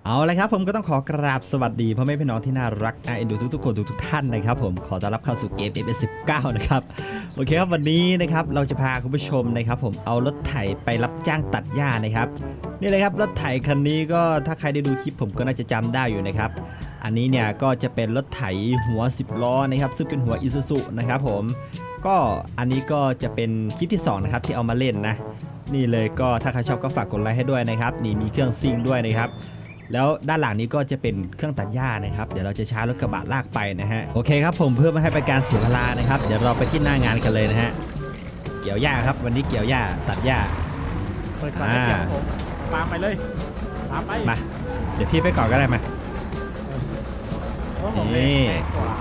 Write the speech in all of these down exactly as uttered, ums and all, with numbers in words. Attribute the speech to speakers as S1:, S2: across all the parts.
S1: เอาละครับผมก็ต้องขอกราบสวัสดีพ่อแม่พี่น้องที่น่ารักน่าเอ็นดูทุกๆคนทุกๆท่านนะครับผมขอต้อนรับเข้าสู่เกม เอฟ เอส สิบเก้า นะครับโอเคครับวันนี้นะครับเราจะพาคุณผู้ชมนะครับผมเอารถไถไปรับจ้างตัดหญ้านะครับนี่เลยครับรถไถคันนี้ก็ถ้าใครได้ดูคลิปผมก็น่าจะจำได้อยู่นะครับอันนี้เนี่ยก็จะเป็นรถไถหัวสิบล้อนะครับซึ่งเป็นหัว Isuzu นะครับผมก็อันนี้ก็จะเป็นคลิปที่สองนะครับที่เอามาเล่นนะนี่เลยก็ถ้าใครชอบก็ฝากกดไลค์ให้ด้วยนะครับนี่มีเครื่องซิ่งด้วยนะครับแล้วด้านหลังนี้ก็จะเป็นเครื่องตัดหญ้านะครับเดี๋ยวเราจะใช้รถกระบะลากไปนะฮะโอเคครับผมเพื่อไม่ให้เป็นการเสียเวลานะครับเดี๋ยวเราไปที่หน้างานกันเลยนะฮะเกี่ยวหญ้าครับวันนี้เกี่ยวหญ้าตัดหญ้า
S2: เปิดก่อนได้เกี่ยวผมตามไปเลยตามไป
S1: มาเดี๋ยวพี่ไปก่อนก็ได้มา
S2: เพราะผมเองแรงกว่า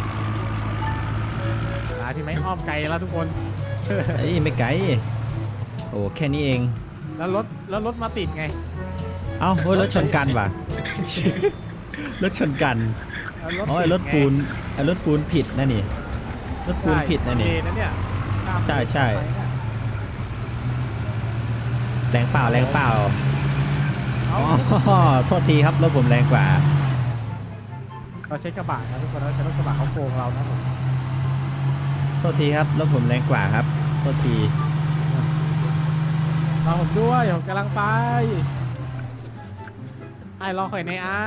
S2: หาที่ไม่อ้อมไกลแล้วทุกคน
S1: เอ้ยไม่ไกลโอ้แค่นี้เอง
S2: แล้วรถแล้วรถมาติดไง
S1: เอ้าเฮ้ยรถชนกันว่ะ รถชนกัน
S2: แล้ว
S1: อ๋อไอ้รถปูนไอ้รถปูนผิดนะนี่รถปูนผิดนะนี่
S2: นั่นเนี่ย
S1: ใช่ใช่ แรงเปล่าแรงเปล่า
S2: เอา
S1: อ๋อโทษทีครับรถผมแรงกว่า
S2: เราใช้กระบะนะทุกคนเราใช้รถกระบะเขาโกงเรานะผม
S1: โทษทีครับรถผมแรงกว่าครับโทษที
S2: รอผมด้วยผมกำลังไปไอ้รอคอยในไอ้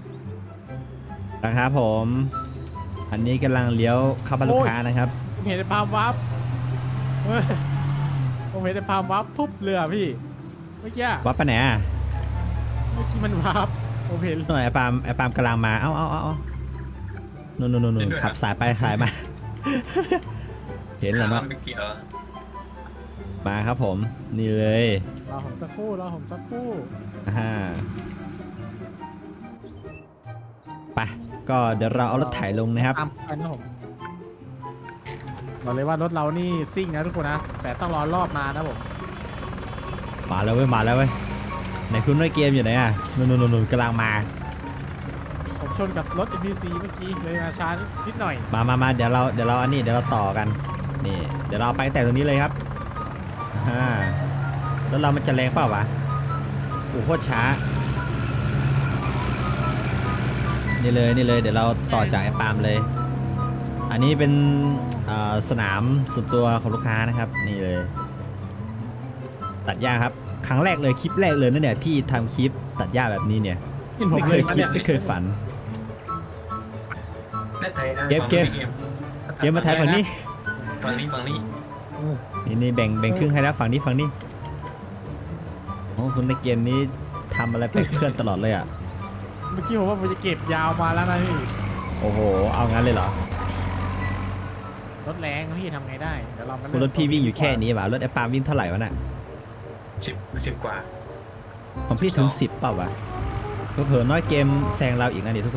S1: นะครับผมอันนี้กำลังเลี้ยวเข้าบ้านลูกค้านะครับ
S2: ผมเห็นในพามวับเฮ้ยผมเห็นในพามวับทุบเรือพี่เมื่อกี้
S1: วัดไปไหนอ่ะ
S2: เมื่อกี้มันวับผมเห็น
S1: หน่อยไอ้ปาล์มไอ้ปาล์มกำลังมาเอ้าเอ้าเอ้าเอ้านู่นนู่นนู่นขับสายไปสายมา เห็นแล้วเนาะ
S3: ไม่เกี่ยว
S1: มาครับผมนี่เลย
S2: รอผมสักครู่รอผมสักครู่
S1: อ่าไปก็เดี๋ยวเราเอารถไถลงนะครับ
S2: ตามไปนะผมบอกเลยว่ารถเรานี่ซิ่งนะทุกคนนะแต่ต้องรอรอบมานะผม
S1: มาแล้วเว้ยมาแล้วเว้ยไหนคุณน้อยเกมอยู่ไหนอ่ะนู่นนู่นนู่นกำลังมา
S2: ผมชนกับรถ เอ็ม พี ซี เมื่อกี้เลยมาช้านิดหน่อย
S1: มามามาเดี๋ยวเราเดี๋ยวเราอันนี้เดี๋ยวเราต่อกันนี่เดี๋ยวเราไปแต่ตรงนี้เลยครับอ่าแล้วเรามันจะแรงเปล่าวะโอ้โคตรช้านี่เลยนี่เลยเดี๋ยวเราต่อจากไอ้ปาล์มเลย อันนี้เป็นสนามส่วนตัวของลูกค้านะครับนี่เลยตัดหญ้าครับครั้งแรกเลยคลิปแรกเลยนั่นเนี่ยที่ทำคลิปตัดหญ้าแบบนี้เนี่ย
S2: กินผม
S1: ไม่เคยคิดไม่เคยฝัน เก็บเก็บ เดี๋ยวมาถ่ายฝั่งนี้
S3: ฝั่งนี้ฝั่งนี้
S1: นี่นี่แบ่งแบ่งครึ่งให้แล้วฝั่งนี้ฝั่งนี้โอ้คุณในเกมนี้ทำอะไรแปลกเพื่อนตลอดเลยอ่ะ
S2: เมื่อกี้ผมว่าผมจะเก็บยาวมาแล้วนะพี่
S1: โอ้โหเอางั้นเลยเหรอ
S2: รถแรงพี่ทำไงได้เดี๋ยวเรามา
S1: คุณรถพี่วิ่งอยู่แค่นี้ว่ะรถไอ้ปาล์มวิ่งเท่าไหร่วะน่ะ
S3: สิบสิบกว่า
S1: ของพี่ถึงสิบเปล่าวะเผลอๆน้อยเกมแซงเราอีกนะนี่ทุกคน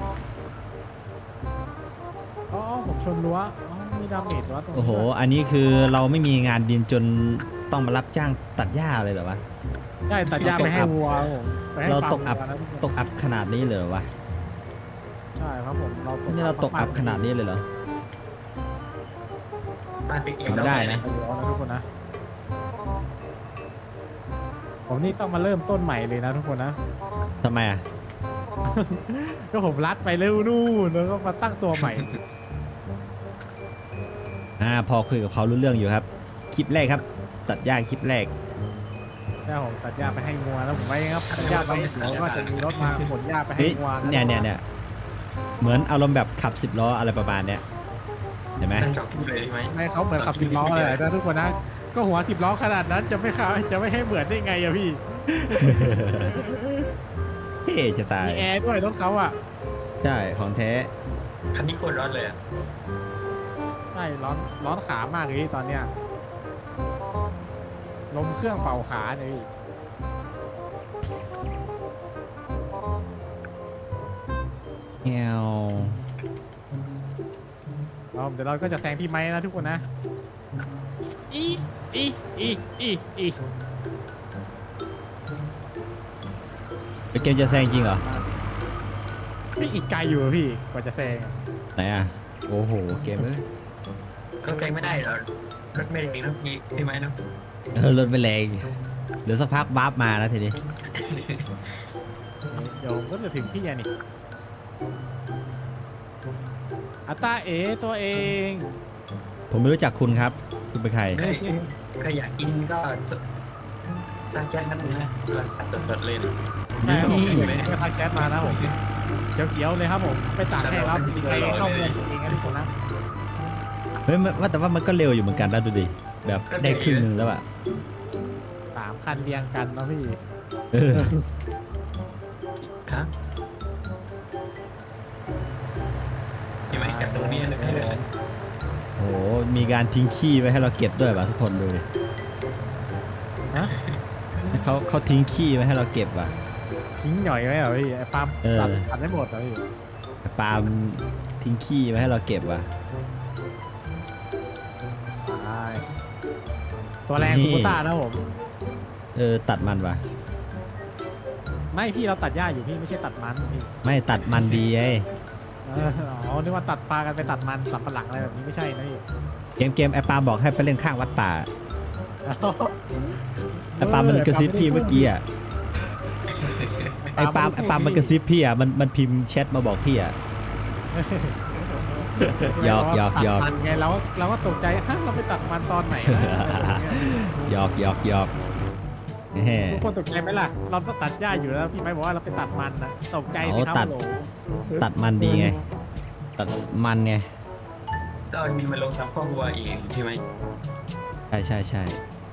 S2: อ๋อผมชนรั้วอ๋อมีดาเมจรั้วตรงนี้
S1: โอ้โห
S2: ด้วย
S1: อันนี้คือเราไม่มีงานดินจนต้องมารับจ้างตัดหญ้าเลยเหรอวะ
S2: ใช่ตัดหญ้าไปให้วัวผมไปให้
S1: เรา
S2: ฟาร์ม
S1: ตกอับ
S2: วัวนะทุกคน
S1: ตกอับขนาดนี้เลยเหรอวะ
S2: ใช่ครับผมเราตก
S1: นี่เราตกอับขนาดนี้เลยเหรอ
S3: บ้านไปเก็บ
S1: ไม่ได้นะ
S2: ไปรั้วนะทุกคนนะผมนี่ต้องมาเริ่มต้นใหม่เลยนะทุกคนนะ
S1: ทำไมอ่ะ
S2: ก็ผมรัดไปเร็วนู่นแล้วก็มาตั้งตัวใหม่
S1: อ่าพอคุยกับเขารู้เรื่องอยู่ครับ คลิปแรกครับ ตัดหญ้าคลิปแรก
S2: ใช่ผมตัดหญ้าไปให้งัวแล้วผมไว้ครับตัดหญ้าไปเดี๋ยวก็จะมีรถมาขนหญ้าไปให้
S1: เฮ้ย
S2: งัวะ
S1: เนี่ยเนี่ยเนี่ยเหมือนอารมณ์แบบขับสิบล้ออะไรประมาณเนี้ยเห็นไหม
S3: นั่งจอดพูดเลยใช่ไหม
S2: ไม่เขาเหมือนขับสิบล้อเลยนะทุกคนนะก็หัวสิบล้อขนาดนั้นจะไม่ขาจะไม่ให้เหมือนได้ไงอะพี่
S1: เท่จะตาย
S2: มีแอร์ด้วยรถเขาอะ
S1: ใช่ของแท้
S3: คันนี้โคตรร้อนเลยอ่ะ
S2: ใช่ร้อนร้อนขามากเลยตอนเนี้ยลมเครื่องเป่าขาเนี่ยพี่
S1: แงว
S2: เราเดี๋ยวเราก็จะแซงพี่ไม้นะทุกคนนะอีอีอีอีอี
S1: เกมจะแซงจริงเหรอ
S2: ไม่อีกไกลอยู่อะพี่กว่าจะแซงอะ
S1: ไหนอ่ะโอ้โหเกมเอ้ย
S3: ก็แซงไม่ได้หรอรถไม่เองนะพี่ใช่ไหมเนาะ
S1: เออรถไม่แรงเดี๋ยวสักพักวาร์ปมาแล้วทีนี้
S2: เดี๋ยวดี๋ยวผมก็จะถึงพี่อะนี่อัตตาเอตัวเอง
S1: ผมไม่รู้จักคุณครับคุณเป็นใคร
S3: ใครใครอยากกินก็สดตั้งแก๊สนั่นเลยนะตัดสดๆเลยนะ
S2: ใช่ครับ
S1: นี่
S2: ผมเดี๋ยวก็ทักแชทมานะผมเขียวๆเลยครับผมไปตัดให้ครับใครเข้าเมืองเองนะทุกคนนะ
S1: เฮ้ยมันว่าแต่ว่ามันก็เร็วอยู่เหมือนกันนะดูดิแบบได้ครึ่งหนึงแล้วอะ
S2: สามคันเรียงกันเนาะพี่
S1: เออ
S3: ครับยังไม่กลับตรงนี้เลยไม่เลย
S1: โหมีการทิ้งขี้ไว้ให้เราเก็บด้วยป่ะทุกคนดูดิ
S2: ฮะ
S1: เขาเขาทิ้งขี้ไว้ให้เราเก็บว่ะ
S2: ทิ้งหน่อยไว้เหรอพี่ไอ้ปาล์ม
S1: เออ
S2: ตัดตัดไม่หมดเหรอพี่
S1: แต่ปาล์มทิ้งขี้ไว้ให้เราเก็บว่ะ
S2: ใช่ตัวแรง
S1: นี่
S2: คูต้านะผม
S1: เออตัดมันว่ะ
S2: ไม่พี่เราตัดหญ้าอยู่พี่ไม่ใช่ตัดมันพี่
S1: ไม่ตัดมันดีไอ้
S2: เอออ๋อนึกว่าตัดปลากันไปตัดมันสับปะหลังอะไรแบบนี้ไม่ใช่นะพี่
S1: เกมเกมไอ้ปาล์มบอกให้ไปเล่นข้างวัดป่าไอ้ปาล์มมันกระซิบพี่เมื่อกี้อ่ะไอ้ปาล์มไอ้ปาล์มมันกระซิบพี่อ่ะมันมันพิมพ์แชทมาบอกพี่อ่ะ หยอกหยอกหยอก
S2: ตัดมันไงเราก็เราก็ตกใจฮะเราไปตัดมันตอนไหนวะ
S1: หยอกหยอกหยอกแหม
S2: ทุกคนตกใจไหมล่ะเราต้องตัดหญ้าอยู่แล้วพี่ไม้บอกว่าเราไปตัดมันนะตกใจสิครับ
S1: ตัด
S2: โหล
S1: ตัดมันดีไง ตัดมันไง
S3: ตอนมีมาลงทำข้อวัวอีกใช่ไหม
S1: ใช่ใช่ใช่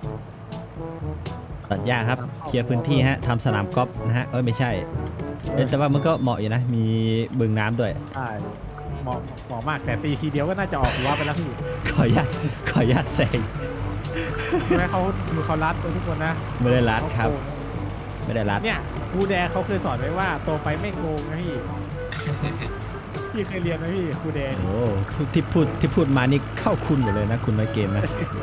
S1: ตัดหญ้าครับเคลียร์พื้นที่ฮะทำสนามกอล์ฟนะฮะเอ้ยไม่ใช่เอ้ยแต่ว่ามันก็เหมาะอยู่นะ มีบึงน้ำด้วย
S2: ใช่เหมาะเหมาะมากแต่ตีทีเดียวก็น่าจะออกหัวไปแล้วพี่
S1: ขออนุญาตขออนุญาตแซง
S2: ใช่ไหมเขาดูเขารัดตัวทุกคนนะ
S1: ไม่ได้รัดครับ
S2: เขาโกง
S1: ไม่ได้รัด
S2: เนี่ยครูแดเขาเคยสอนไว้ว่าโตไปไม่โกงนะพี่ พี่เคยเรียนไหมพี่ครูแดนี่
S1: โอ้ที่พูดที่พูดมานี่เข้าคุณหมดเลยนะ คุณมาเกมนะ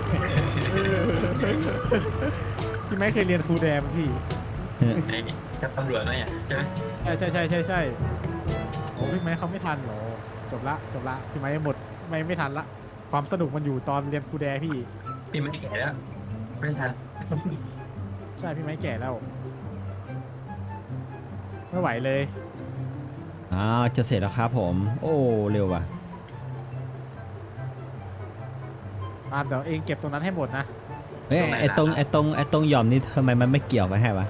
S2: พี่ไม่เคยเรียนครูแดมพี่
S3: ไอ้กับตำรวจนะเนี่ยใช่ไหม
S2: ใช่ใช่ใช่ใช่ใช่โอ้พี่ไม้เขาไม่ทันเหรอจบละจบละพี่ไม้หมดไม่ไม่ทันละความสนุกมันอยู่ตอนเรียนครูแดพี่
S3: พี่ไม่แก่แล้วไม่ทัน
S2: ใช่พี่ไม้แก่แล้วไม่ไหวเลย
S1: อ้าวจะเสร็จแล้วครับผม โอ้เร็วว่ะ
S2: ตามเดี๋ยวเองเก็บตรงนั้นให้หมดนะ
S1: เอ้ยไอตรงไอตรงไอตรงหย่อมนี่ทำไมมันไม่เกี่ยวไปให้วะ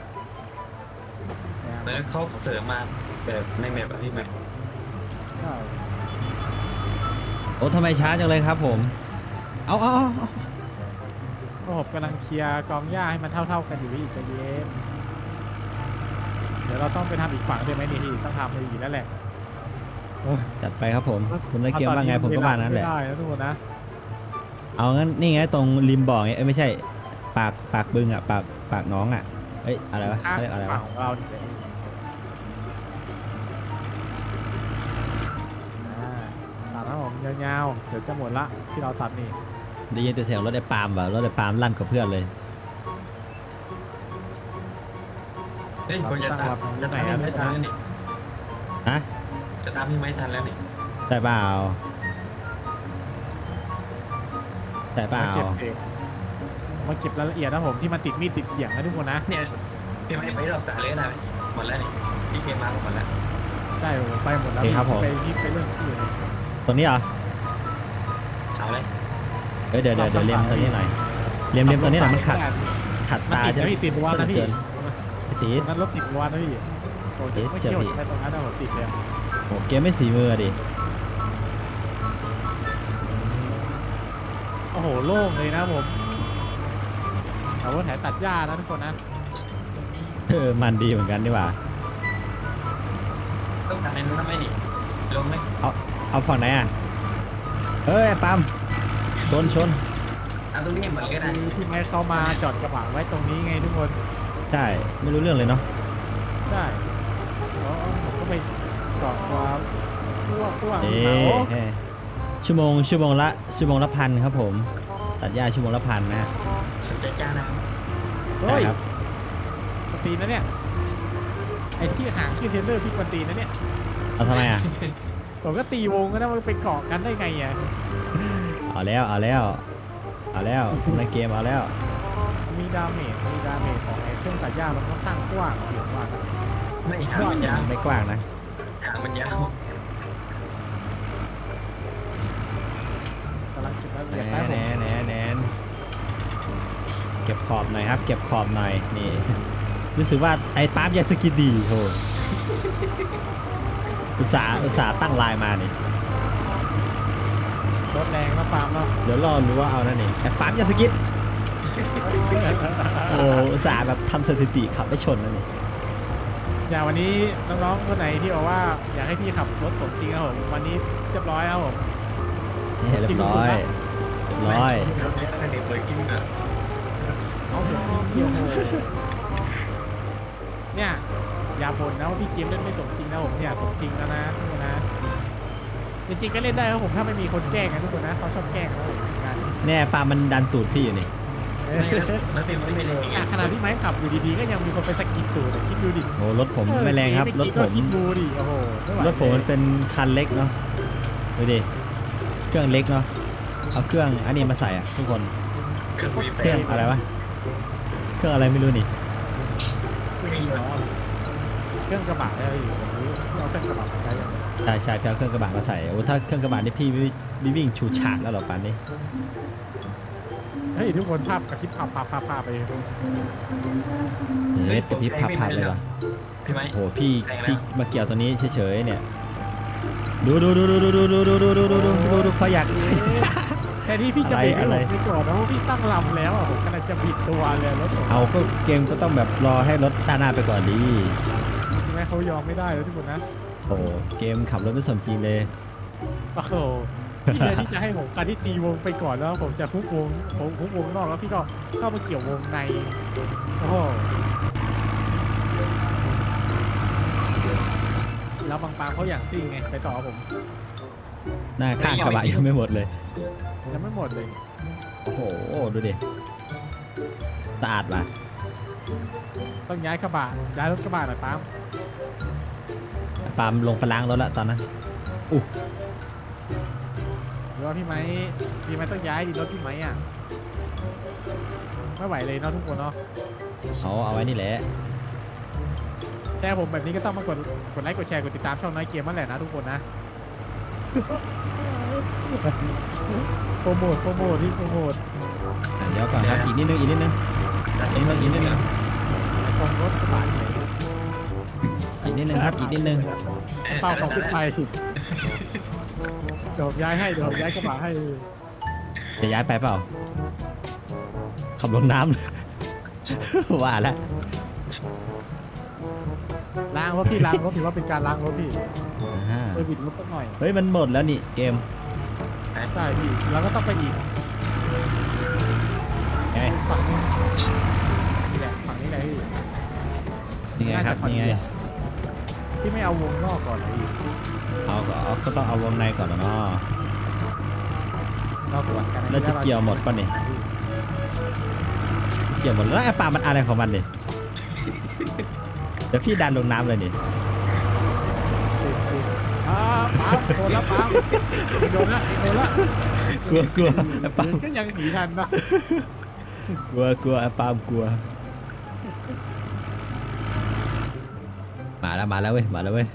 S3: แล้วเขาเสริมมาแบบในแมปอะพี่ไหม
S2: ใช่
S1: โอ้ทำไมช้าจังเลยครับผม เอาเอาเอาเอา
S2: ก็ผมกำลังเคลียร์กองหญ้าให้มันเท่า ๆกันอยู่พี่ใจะเย็นเดี๋ยวเราต้องไปทำอีกฝั่งด้วยไหมนี่พี่ต้องทำเลยอีกแล้วแหละ
S1: จัดไปครับผม คุณมาเกมว่าไงผมก็ว่านั้นแหละ
S2: ไม่ได้นะทุกคนนะ
S1: เอางั้นนี่ไงตรงริมบ่อไงเอ้ยไม่ใช่ ปากปากบึงอ่ะปากปากน้องอ่ะเอ้ยอะไรวะ
S2: ข้าง
S1: เขาเรียกอะไร
S2: ฝั่
S1: วะ
S2: งของเราเนี่ยอ่าตัดนะผมยาวๆเดี๋ยวจะหมดละที่เราตัดนี่
S1: ได้ยินแต่เสียงรถไอ้ปาล์มว่ะรถไอ้ปาล์มลั่นกับเพื่อนเลย
S3: เฮ้ยผมจะตามจะตามพี่ไม่ทันแล้วนี่
S1: ฮะ
S3: จะตามพี่ไม่ทันแล้วนี่
S1: ได้เปล่าได้เปล่า
S2: มาเก็บเองมาเก็บรายละเอียดนะผมที่มันติดมีดติดเขียงนะทุกคนนะ
S3: เนี่ยพี่ไม่ไปรอบสายเลยนะหมดแล้วนี่พี่เกมมาหมดแล้ว
S2: ใช่ผมไปหมดแล้ว
S1: โอเคครับผม
S2: ไปที่ไปเรื่องที่อื่น
S1: ตรงนี้เหรอ
S3: เอาเลย
S1: เอ้ยเดี๋ยวเดี๋ยวเดี๋ยวเลียมตัวนี้หน่อยเลียมเลียมตัวนี้หน่อยมันขัดขัด
S2: มัน
S1: ตา
S2: ติด
S1: จะ
S2: นะพี่ติดรั้วนะพี่
S1: เกินไม่ติด
S2: มันรถติดรั้วนะพี่โอ้ย
S1: เดี๋ยว
S2: ไม่
S1: เชื่
S2: เกี่
S1: อ
S2: ยว
S1: พี่
S2: แค่ตรงนั้นนะผมติดเลย
S1: โอ้เกมไม่สีมือดิ
S2: โอ้โหโล่งเลยนะผมเอารถแถตัดหญ้านะทุกคนนะ
S1: เออมันดีเหมือนกันนี่หว่า
S3: ต้องทำในนู้นทำไมนี่ลงไหม
S1: เอาฝั่งไหนอ่ะเฮ้ยปาล์มชนชน
S3: เอาตรงนี้เหมือนกันนะ
S2: คือที่ไม้เขามาจอดกระบะไว้ตรงนี้ไงทุกคน
S1: ใช่ไม่รู้เรื่องเลยเนาะ
S2: ใช่แล้วผมก็ไปเกาะตัวพวกพวก
S1: เอ๊
S2: เขา
S1: ะเอ๊ะชั่วโมงชั่วโมงละชั่วโมงละพันครับผมตัดหญ้าชั่วโมงละพันนะฮะ
S3: สนใจจ้านะ
S2: เฮ้ย
S1: ได้ครับ
S2: กวนตีนนะเนี่ยไอ้ที่หางขึ้นเทรลเลอร์พี่กวนตีนนะเนี่ย
S1: เอาทำไมอ่ะ
S2: ผมก็ตีวงก็นะมันไปเกาะกันได้ไงอ่ะ
S1: เอาแล้วเอาแล้วเอาแล้วในเกมเอาแล้ว
S2: มีดาเมจมีดาเมจของไอ้เครื่องตัดหญ้ามันค่อนข้างกว้างอยู่ว่ากัน
S3: ไม่หางมันยาว
S1: ไม่กว้างนะ
S3: หางมันยาว
S2: กำลังเก็บรายละ
S1: แห
S2: เอียด
S1: น
S2: แป๊บ
S1: แหน
S2: ผม
S1: แหนแหนเก็บขอบหน่อยครับ เก็บขอบหน่อยนี่ รู้สึกว่าไอ้ปั๊มยาสกินดีโหอุตสาห์อุตสาห์ตั้งลายมานี่
S2: รถแรงนะปาล์มเนาะ
S1: เดี๋ยวรอรู้ว่าเอานั่นนี่ไอ้ปั๊มยาสกินโอ้อุตสาห์แบบทำสถิติขับไม่ชนนั่นนี่
S2: อย่างวันนี้น้องๆคนไหนที่บอกว่าอยากให้พี่ขับรถสมจริงครับผมวันนี้เรียบร้อยครับผม
S1: นี่เรียบร้อยเรียบร้อย
S3: รถเนี้ยถ้าเด็กเปิดกินอ่ะ
S2: เอาสมจริงเดียวโหเนี่ยอย่าบ่นนะว่าพี่เกมเล่นไม่สมจริงนะผมเนี่ยสมจริงแล้วนะทุกคนนะจริงๆก็เล่นได้ครับผมถ้าไม่มีคนแกล้งนะทุกคนนะเขาชอบแกล้งนะผมงาน
S1: แน่ปลามันดันตูดพี่อยู่นี่
S3: ไม่แล้วแล้วเป็นไม่เป็นเลย
S2: อ่ะขณะที่ไม้ขับอยู่ดีๆก็ยังมีคนไปสะกิดตูดอ่ะคิดดูดิ
S1: โอ้รถผมไม่แรงครับ
S2: เออ
S1: รถ
S2: เอ
S1: ผ
S2: กี้
S1: ม
S2: ก็คิดดูดิโอ้โหไไหว
S1: รถผมมันเป็นคันเล็กเนาะดูดิเครื่องเล็กเนาะเอาเครื่องอันนี้มาใส่อ่ะทุกคน
S3: เครื่องวีแป
S1: เครื่อง
S3: ด
S1: อะไรวะเครื่องอะไรไม่รู้นี่
S3: มีเนาะ
S2: เครื่องกระบะได้อยู่ผมรู้ที่เอาเครื่องกระบะมาใช้กัน
S1: ใช่ใช่พี่เอาเครื่องกระบะมาใส่โอ้ถ้าเครื่องกระบะนี่พี่วิวิวิ่งชูฉากแล้วเหรอปันนี้
S2: เฮ้ยทุกคนภาพกระพริบภาพภาพภาพภาพไป
S1: เฮ้ยกระพริบพับพับเลยวะ
S3: ใช่ไหม
S1: โอ้โหพี่พี่มาเกี่ยวตัวนี้เฉยๆเนี่ยดูดูดูดูดูดูดูดูดูดูดูดูดูดูเขาอยาก
S2: แค่ที่พี่จะเบรก
S1: อะไร
S2: ให้ผมไปก่อนนะเพราะพี่ตั้งลำแล้วอ่ะผมกำลังจะบิดตัวเลยรถผม
S1: เอาก็เกมก็ต้องแบบรอให้รถด้านหน้าไปก่อนดี
S2: ใช่ไหมเขายอมไม่ได้แล้วทุกคนนะ
S1: โอ้โหเกมขับรถไม่สมจริงเลย
S2: โอ้โหพี่เลยที่จะให้ผมการที่ตีวงไปก่อนแล้วผมจะคุกวงผมคุกวงนอกแล้วพี่ก็เข้ามาเกี่ยววงในโอ้โหแล้วบางปางเขาอย่างซิ่งไงไปต่อผม
S1: หน้าข้างกระบะยังไม่หมดเลย
S2: ยังไม่หมดเลย
S1: โอ้โหดูดิสะอาดว่ะ
S2: ต้องย้ายกระบะย้ายรถกระบะหน่อยปาล์ม
S1: ปาล์มลงไปล้างรถละตอนนั้นอู้
S2: หรือว่าพี่ไม้พี่ไม้ต้องย้ายดิรถพี่ไม้อ่ะไม่ไหวเลยเนาะทุกคนเนาะ
S1: เอาเอาไว้นี่แหละ
S2: แต่ผมแบบนี้ก็ต้องมากดกดไลค์กดแชร์กดติดตามช่องน้อยเกมนั่นแหละนะทุกคนนะ โปรโมทโปรโมทที่โปรโมท
S1: อ่ะเดี๋ยวก่อนครับอีกนิดนึงอีกนิดนึง
S3: อีกนิดนึงอีกนิดนึง
S2: ตรงรถกระบะเนี่ย
S1: อีกนิดนึงครับอีกนิดนึง
S2: เป้าของขึ้นไปเดี๋ยวผมย้ายให้เดี๋ยวผมย้ายกระบะให้
S1: จะย้ายไปเปล่าขับลงน้ำเลย ว่าแล้ว
S2: ล้างรถพี่ล้างรถถือว่าเป็นการล้างรถพี่
S1: อ่า
S2: เซอร์วิสรถสักหน่อย
S1: เฮ้ยมันหมดแล้วนี่เกม
S2: ใช่พี่แล้วก็ต้องไปอีก
S1: ไง
S2: ฝั่งนึงนี่แหละฝั่งนี้แหละพี่
S1: นี่ไงครับนี่ไง
S2: พี่ไม่เอาวงนอกก่อนเหรอพี่
S1: เอาก็เอาก็ต้องเอาวงในก่อนนะเนาะ
S2: เราสวนกันน
S1: แล้วจะเกี่ยวหมดป่ะนี่เกี่ยวหมดแล้วไอ้ปลามันอะไรของมันเนี่ยเดี๋ยวพี่ดันลงน้ำเลยนี่
S2: อ่าปั๊บโดนแล้วปั๊บโดนละโดนละ
S1: กลัวกลัวไอ้ปลา
S2: ก็ยังหนีทันนะ
S1: กลัวกลัวไอ้ปลามกลัวมาแล้วมาแล้วเว้ยมาแล้วเว้ย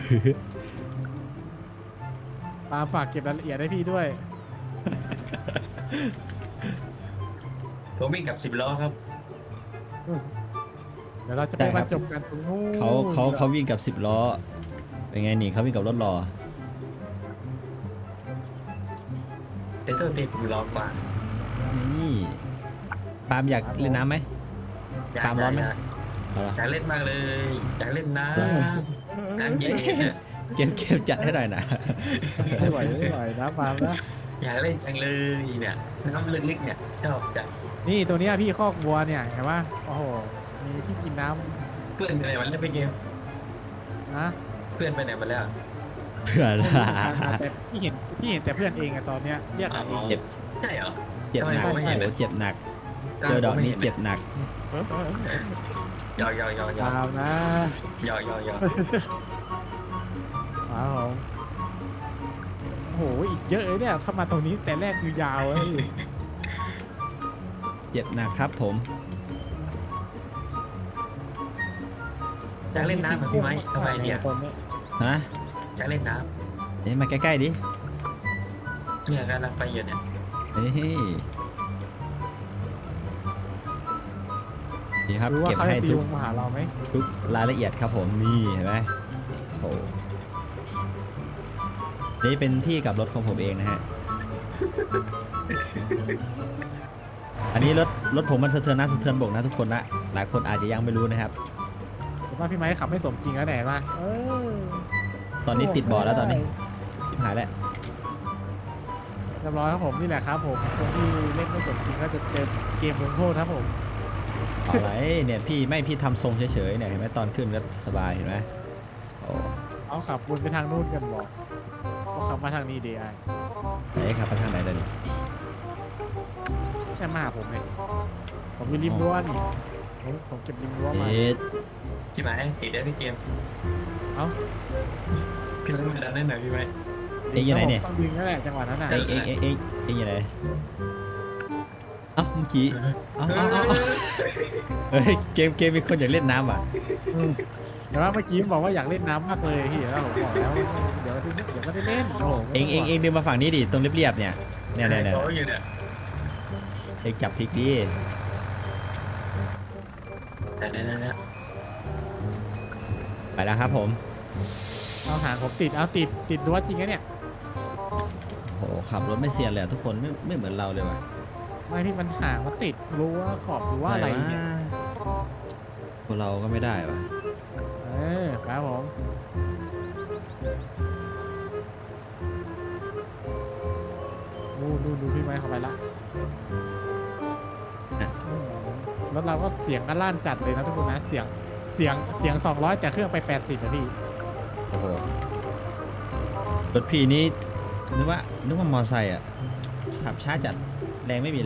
S2: ปาล์มฝากเก็บรายละเอียดให้พี่ด้วย
S3: ผมวิ่งกับสิบล้อครับ
S2: เดี๋ยวเราจะไปบรรจบกันตรงนู้น
S1: เขาเขาเขาวิ่งกับสิบล้อเป็นไงนี่เขาวิ่งกับรถรอ
S3: แต่ตัวเต็มผมล้อกว่า
S1: นี่ปาล์มอยากเล่นน้ำไหม
S3: อยาก
S1: ตามร้อนไหม
S3: อยาก
S1: เอาละ
S3: อยากเล่นมากเลยอยากเล่นน้ำน้ำเย็นเนี่ย
S1: เกมเกมจัดให้หน่อยนะ
S2: ไม่ไหวไม่ไหวนะปาล์มนะ
S3: อยากเล่นจังเลยเนี่ยน้ำลึกๆเนี่ยชอบจัด
S2: นี่ตัวเนี้ยพี่คอกวัวเนี่ยเห็นปะโอ้โหมีที่กินน้
S3: เพื่อนไปไหนมาแล้วไปเกม
S2: ำนะ
S3: เพื่อนไปไหนมาแล้ว
S1: เพื่อน
S2: แต่พี่เห็นพี่เห็นแต่เพื่อนเองอะตอนเนี้ยเรียกหาเอง
S1: เจ็บ
S3: ใช่เหรอ
S1: เจ็บหนัก
S3: ทำไม
S1: โอ้
S3: ไม่เห็น
S1: โห
S3: เลย
S1: เจ็บหนักเจอดอกนี้เจ็บหนัก
S3: ยอยอยอยอ
S2: ปาล์มนะ
S3: ยอยอยอ
S2: ปาล์มผมโอ้โหอีกเยอะเลยเนี่ยถ้ามาตรงนี้แต่แรกคือยาวเลย
S1: เจ็บหนักครับผม
S3: อยากเล่นน้ำเหมือนพี่ไม้ทำไมเนี่ย
S2: คนนี้
S1: ฮะ
S3: อยากเล่นน้
S1: เอ้ยมาใกล้ๆดิ
S3: ำเนี่ยกำลังไปอยู่เนี่ย
S1: เฮ้ยนี่ครับ
S2: รู้ว่า
S1: เก็บ
S2: เขา
S1: ให้
S2: จะตี
S1: ทุ
S2: ว
S1: ก
S2: งมาหาเราไหม
S1: ทุกรายละเอียดครับผมนี่เห็นไหมโอ้นี่เป็นที่กลับรถของผมเองนะฮะ อันนี้รถรถผมมันสะเทือนน้ำสะเทือนบกนะทุกคนนะหลายคนอาจจะยังไม่รู้นะครับ
S2: ผมว่าพี่ไม้ขับไม่สมจริงแล้วแหละมาเออ
S1: ตอนนี้ติดบ่อแล้วตอนนี้ชิบหายแล้ว
S2: เรียบร้อยครับผมนี่แหละครับผมคนที่เล่นไม่สมจริงก็จะเจอเกมลงโทษครับผม
S1: เอาอะไรเนี่ยพี่ไม่พี่ทำทรงเฉยๆเนี่ยเห็นไหมตอนขึ้นก็สบายเห็นไหมโอ้
S2: เอาขับวนไปทางนู้นกันบอกว่าขับมาทางนี้ดีไอ
S1: ไหนครับไปทางไหนเดี๋ยวนี้
S2: แค่มาหาผมเลยผมมีริมรั้วนี่ผมผมเก็บริมรั้วมา
S1: เอ๊ะ
S3: ใช่ไหมติดได้พี่เกม
S2: เอ้า
S3: พี่ไม้มาดันได้หน่อยพี่ไม้
S1: เอ็งอยู่ไหนเนี่ย
S2: ต้องดึงนั่นแหละจังหวะนั้นน่ะ
S1: เอ็งเอ็งเอ็งเอ็งเอ็งอยู่ไหนเอ้าเมื่อกี้เอ้าเอ้าเอ้าเอ้าเฮ้ยเกมเกมมีคนอยากเล่นน้ำอ่ะ
S2: เดี๋ยวว่าเมื่อกี้บอกว่าอยากเล่นน้ำมากเลยพี่แล้วผมบอกแล้วเดี๋ยวเดี๋ยวไม่ได้เล่นโอ้โห
S1: เอ็งเอ็งเอ็งเดินมาฝั่งนี้ดิตรงเรียบๆเนี่ยเนี่ยเนี่ยเนี่ย
S3: โอ้ยอยู่เนี่ย
S1: เอ็งจับพลิกดิ
S3: แต่เนี่ยเนี่ย
S1: ไปแล้วครับผม
S2: เอาหางผมติดเอาติดติดรั้วจริงนะเนี่ย
S1: โอ้โหขับรถไม่เซียนเลยอะทุกคนไม่ไม่เหมือนเราเลยว่ะ
S2: ไม่พี่มันหางมันติดรั้วขอบรั้วอะไรเนี่ย
S1: พวกเราก็ไม่ได้ว่ะ
S2: เออครับผมดูดูดูพี่ไม้เข้าไปละรถเราก็เสียงก็ลั่นจัดเลยนะทุกคนนะเสียงเสียงเสียงสองร้อยแต่เครื่องไปแปดสิบนะพี่
S1: โอ้โหรถพี่นี้นึกว่านึกว่ามอไซค์อ่ะขับช้าจัดแรงไม่มีเลย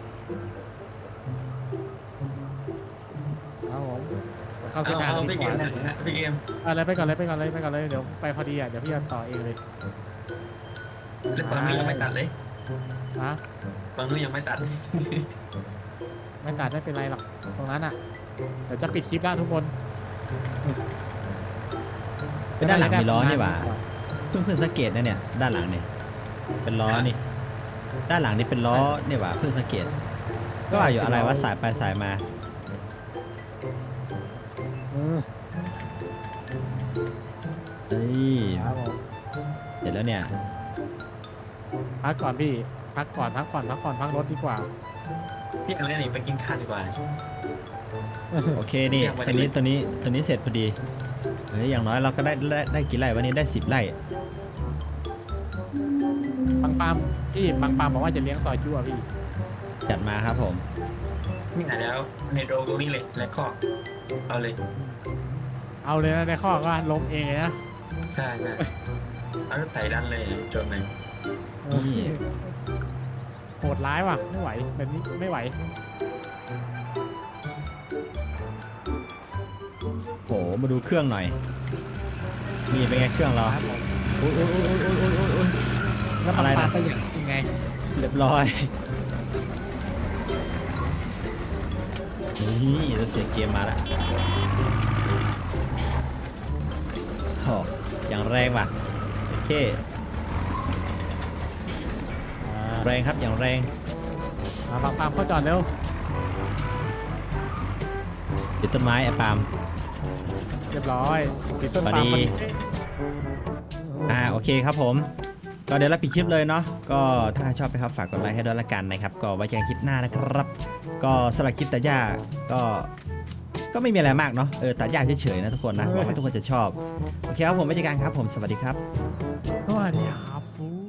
S2: ครับผมเข้า
S3: เอา
S2: สถาน
S3: เอา
S2: ดี
S3: พี่
S2: ก
S3: เกม
S2: ว่า
S3: เนี่ยพี่เกม
S2: อะไรไปก่อนเลยไปก่อนเลยไปก่อนเลยเดี๋ยวไปพอดีอ่ะเดี๋ยวพี่จะต่อเองเลย
S3: แล้วตอนนี้ยังไม่ตัดเลย
S2: นะ
S3: ตอนนี้ยังไม่ตัด
S2: ไม่ตัดไม่เป็นไรหรอกตรงนั้นอ่ะเดี๋ยวจะปิดคลิปแล้วทุกคน
S1: เป็นด้านหลังมีล้อนี่หว่าเพิ่งเพิ่งสังเกตนะเนี่ยด้านหลังเนี่ยเป็นล้อนี่ด้านหลังนี่เป็นล้อเนี่ยหว่าเพิ่งสังเกตก็ว่าอยู่อะไรว่าสายไปสายมา
S2: อืม
S1: เฮ้ย
S2: ครับผม
S1: เสร็จแล้วเนี่ย
S2: พักก่อนพี่พักก่อนพักก่อนพักก่อนพักรถดีกว่า
S3: พี่เอาเนี่ยหนีไปกินข้าวดีกว่า
S1: โอเคนี่ตัวนี้ตัวนี้ตัวนี้เสร็จพอดีเฮ้ยอย่างน้อยเราก็ได้ได้ได้กี่ไร่วันนี้ได้สิบไร่
S2: ปังปามพี่ปังปามบอกว่าจะเลี้ยงซอยจู้อ่ะพี่
S1: จัดมาครับผม
S3: นี่ไหนแล้วในโดตรงนี้เลยและข้อเอาเลย
S2: เอาเลยนะในข้อก็ล้มเองเลยนะ
S3: ใช่ใช่เอารถไถดันเลยจนเลย
S1: นี่
S2: โหดร้ายว่ะไม่ไหวแบบนี้ไม่ไหว
S1: โหมาดูเครื่องหน่อยนี่เป็นไงเครื่องเรา
S2: ครับผม
S1: โอ้ยโอ้ยโอ้ยโอ้ยโอ้ยโอ้ยโอ้ย
S2: แล้ว
S1: อะไร
S2: ปัง
S1: นะ
S2: ปามไปอย่างยังไง
S1: เรียบร้อยนี่แล้วเสียงเกมมาแล้วโอ้อย่างแรงว่ะโอเคแรงครับอย่างแรง
S2: มาปังปามเข้าจอดเร็ว
S1: ติดต้นไม้ไอ้ปาล์ม
S2: เรียบร้อยติดต้น
S1: พอ
S2: ปาล์ม
S1: ดี
S2: พอดี
S1: อ่าโอเคครับผมก็เดี๋ยวเราปิดคลิปเลยเนาะก็ถ้าชอบนะครับฝากกดไลค์ให้ด้วยละกันนะครับก็ไว้เจอกันคลิปหน้านะครับ ก็สำหรับคลิปตัดหญ้าก็ก็ไม่มีอะไรมากเนาะเออตัดหญ้าเฉยๆนะทุกคนนะหวังว่าทุกคนจะชอบโอเคครับผมไว้เจอกันครับผมสวัสดีครับ
S2: สวัสดีครับ